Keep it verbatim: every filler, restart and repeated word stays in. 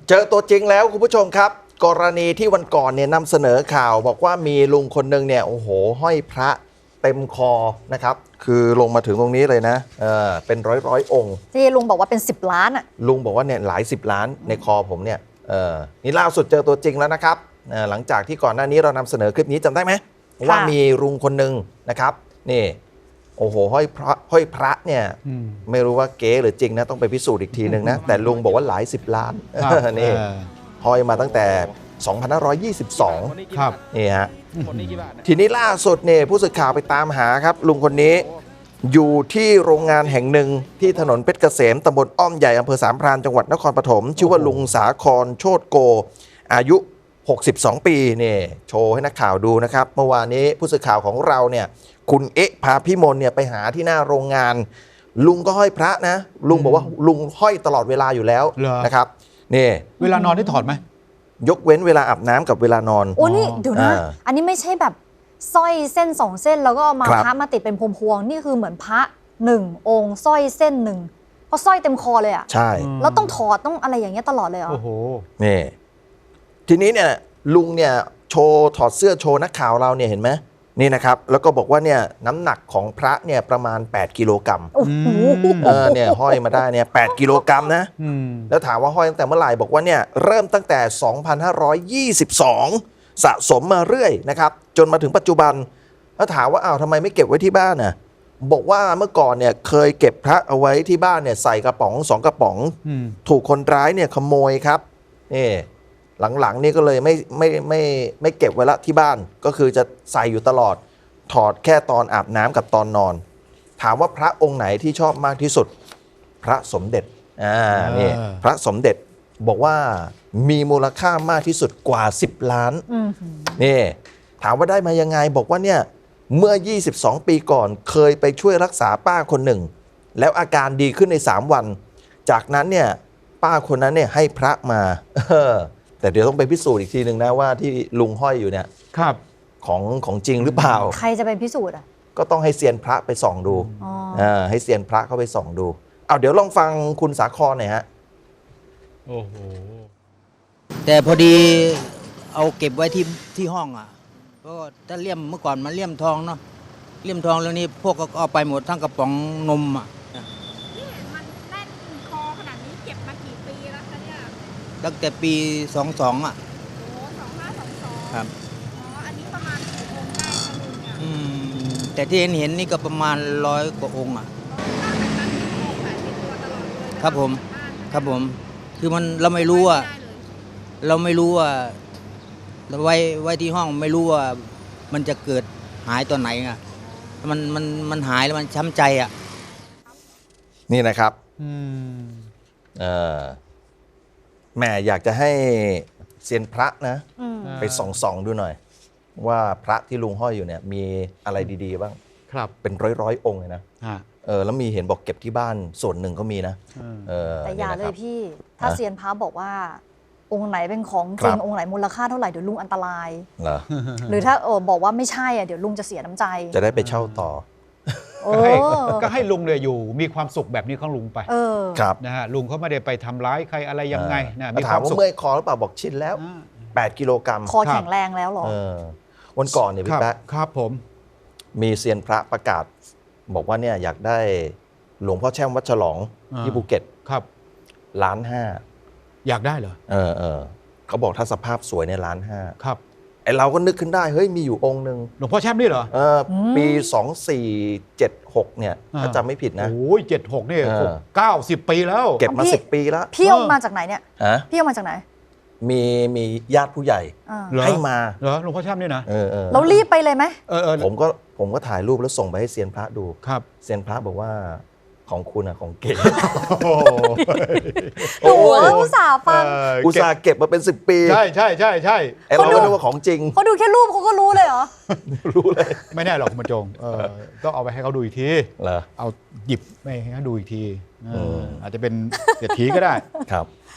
เจอตัวจริงแล้วคุณผู้ชมครับกรณีที่วันก่อนเนี่ยนำเสนอข่าวบอกว่ามีลุงคนหนึ่งเนี่ยโอ้โหห้อยพระเต็มคอนะครับคือลงมาถึงตรงนี้เลยนะเออเป็นร้อยร้อยองค์ที่ลุงบอกว่าเป็นสิบล้านอ่ะลุงบอกว่าเนี่ยหลายสิบล้านในคอผมเนี่ยเออนี่ล่าสุดเจอตัวจริงแล้วนะครับเออหลังจากที่ก่อนหน้านี้เรานำเสนอคลิปนี้จำได้ไหมว่ามีลุงคนหนึ่งนะครับนี่โอ้โหห้อยพระห้อยพระเนี่ยไม่รู้ว่าเก๋หรือจริงนะต้องไปพิสูจน์อีกทีหนึ่งนะแต่ลุงบอกว่าหลายสิบล้านนี่ห้อยมาตั้งแต่สองพันห้าร้อยยี่สิบสองครับนี่ฮะทีนี้ล่าสุดเนี่ยผู้สื่อข่าวไปตามหาครับลุงคนนี้อยู่ที่โรงงานแห่งหนึ่งที่ถนนเพชรเกษมตำบลอ้อมใหญ่อำเภอสามพรานจังหวัดนครปฐมชื่อว่าลุงสาครโชติโกอายุหกสิบสองปีนี่โชว์ให้นักข่าวดูนะครับเมื่อวานนี้ผู้สื่อข่าวของเราเนี่ยคุณเอ๊ะพาพิมลเนี่ยไปหาที่หน้าโรงงานลุงก็ห้อยพระนะลุงบอกว่าลุงห้อยตลอดเวลาอยู่แล้วนะครับนี่เวลานอนได้ถอดไหมยกเว้นเวลาอาบน้ำกับเวลานอนโอ้นี่เดี๋ยวนะอันนี้ไม่ใช่แบบสร้อยเส้นสองเส้นแล้วก็มาพระมาติดเป็นพวงๆนี่คือเหมือนพระหนึ่งองค์สร้อยเส้นหนึ่งเพราะสร้อยเต็มคอเลยอ่ะใช่แล้วต้องถอดต้องอะไรอย่างเงี้ยตลอดเลยเหรอโอ้โหนี่ทีนี้เนี่ยลุงเนี่ยโชว์ถอดเสื้อโชว์นักข่าวเราเนี่ยเห็นไหมนี่นะครับแล้วก็บอกว่าเนี่ยน้ำหนักของพระเนี่ยประมาณแปดกิโลกรัมโอ้โหเออเนี่ยห้อยมาได้เนี่ยแปดกิโลกรัมนะแล้วถามว่าห้อยตั้งแต่เมื่อไหร่บอกว่าเนี่ยเริ่มตั้งแต่สองพันห้าร้อยยี่สิบสองสะสมมาเรื่อยนะครับจนมาถึงปัจจุบันแล้วถามว่าอ้าวทำไมไม่เก็บไว้ที่บ้านน่ะบอกว่าเมื่อก่อนเนี่ยเคยเก็บพระเอาไว้ที่บ้านเนี่ยใส่กระป๋องสองกระป๋องถูกคนร้ายเนี่ยขโมยครับนี่หลังๆนี่ก็เลยไม่ไม่ไม่ไม่เก็บไว้ละที่บ้านก็คือจะใส่อยู่ตลอดถอดแค่ตอนอาบน้ำกับตอนนอนถามว่าพระองค์ไหนที่ชอบมากที่สุดพระสมเด็จอ่านี่พระสมเด็จบอกว่ามีมูลค่ามากที่สุดกว่าสิบล้านนี่ถามว่าได้มายังไงบอกว่าเนี่ยเมื่อยี่สิบสองปีก่อนเคยไปช่วยรักษาป้าคนหนึ่งแล้วอาการดีขึ้นในสามวันจากนั้นเนี่ยป้าคนนั้นเนี่ยให้พระมาแต่เดี๋ยวต้องไปพิสูจน์อีกทีหนึ่งนะว่าที่ลุงห้อยอยู่เนี่ยครับของของจริงหรือเปล่าใครจะไปพิสูจน์อ่ะก็ต้องให้เซียนพระไปส่องดูอ่าให้เซียนพระเข้าไปส่องดูเอาเดี๋ยวลองฟังคุณสาครหน่อยฮะโอ้โหแต่พอดีเอาเก็บไว้ที่ที่ห้องอ่ะเพราะถ้าเลี่ยมเมื่อก่อนมันเลี่ยมทองเนาะเลี่ยมทองเรื่องนี้พวกก็เอาไปหมดทั้งกระป๋องนมอ่ะนี่มันแน่นคอขนาดนี้เก็บมากี่ปีแล้วคะเนี่ยตั้งแต่ปีสองสองอ่ะโอ้สองห้าสองสองครับอ๋ออันนี้ประมาณกี่องค์ได้คะลุงเนี่ยอืมแต่ที่เห็นเห็นนี่ก็ประมาณร้อยกว่าองค์อ่ะครับผมครับผมคือมันเราไม่รู้ว่าเราไม่รู้ว่าเราไว้ไว้ที่ห้องไม่รู้ว่ามันจะเกิดหายตอนไหนอ่ะมันมันมันหายแล้วมันช้ำใจอ่ะนี่นะครับเออแม่อยากจะให้เซียนพระนะไปส่องส่องดูหน่อยว่าพระที่ลุงห้อยอยู่เนี่ยมีอะไรดีๆบ้างครับเป็นร้อยๆองค์เลยนะเออแล้วมีเห็นบอกเก็บที่บ้านส่วนหนึ่งก็มีนะเออแต่อย่าเลยพี่ถ้าเซียนพระบอกว่าองค์ไหนเป็นของจริงองค์ไหนมูลค่าเท่าไหร่เดี๋ยวลุงอันตรายเหรอหรือถ้าเออบอกว่าไม่ใช่อ่ะเดี๋ยวลุงจะเสียน้ำใจจะได้ไปเช่าต่อก็ให้ลุงเนี่ยอยู่มีความสุขแบบนี้ของลุงไปครับนะฮะลุงเขาไม่ได้ไปทำร้ายใครอะไรยังไงนะถามว่าเมื่อยคอหรือเปล่าบอกชินแล้วแปดกิโลกรัมคอแข็งแรงแล้วหรอวันก่อนเนี่ยพี่แป๊ะครับผมมีเซียนพระประกาศบอกว่าเนี่ยอยากได้หลวงพ่อแช่มวัดฉลองที่ภูเก็ตครับล้านห้าอยากได้เหรอเออเออเขาบอกถ้าสภาพสวยในล้านห้าครับไอเราก็นึกขึ้นได้เฮ้ยมีอยู่องค์หนึ่งหลวงพ่อแช่มนี่เหรอเออปีสองสี่เจ็ดหกเนี่ยถ้าจำไม่ผิดนะโอ้ยเจ็ดหกนี่เก้าสิบปีแล้วเก็บมาสิบปีแล้วพี่เอามาจากไหนเนี่ยพี่เอามาจากไหนมีมีญาติผู้ใหญ่ให้มาเหรอหลวงพ่อแช่มนี่นะเออเออเรารีบไปเลยไหมเออเออผมก็ผมก็ถ่ายรูปแล้วส่งไปให้เซียนพระดูครับเซียนพระบอกว่าของคุณอะของเก๋โอ้โหอุตส่าห์ฟังอุตส่าห์เก็บมาเป็นสิบปีใช่ใช่ใช่ใช่ไอเราก็นึกว่าของจริงเขาดูแค่รูปเขาก็รู้เลยเหรอรู้เลยไม่แน่หรอกคุณบรรจงต้องเอาไปให้เขาดูอีกทีเหรอเอาหยิบไปให้เขาดูอีกทีอาจจะเป็นเศรษฐีก็ได้ครับ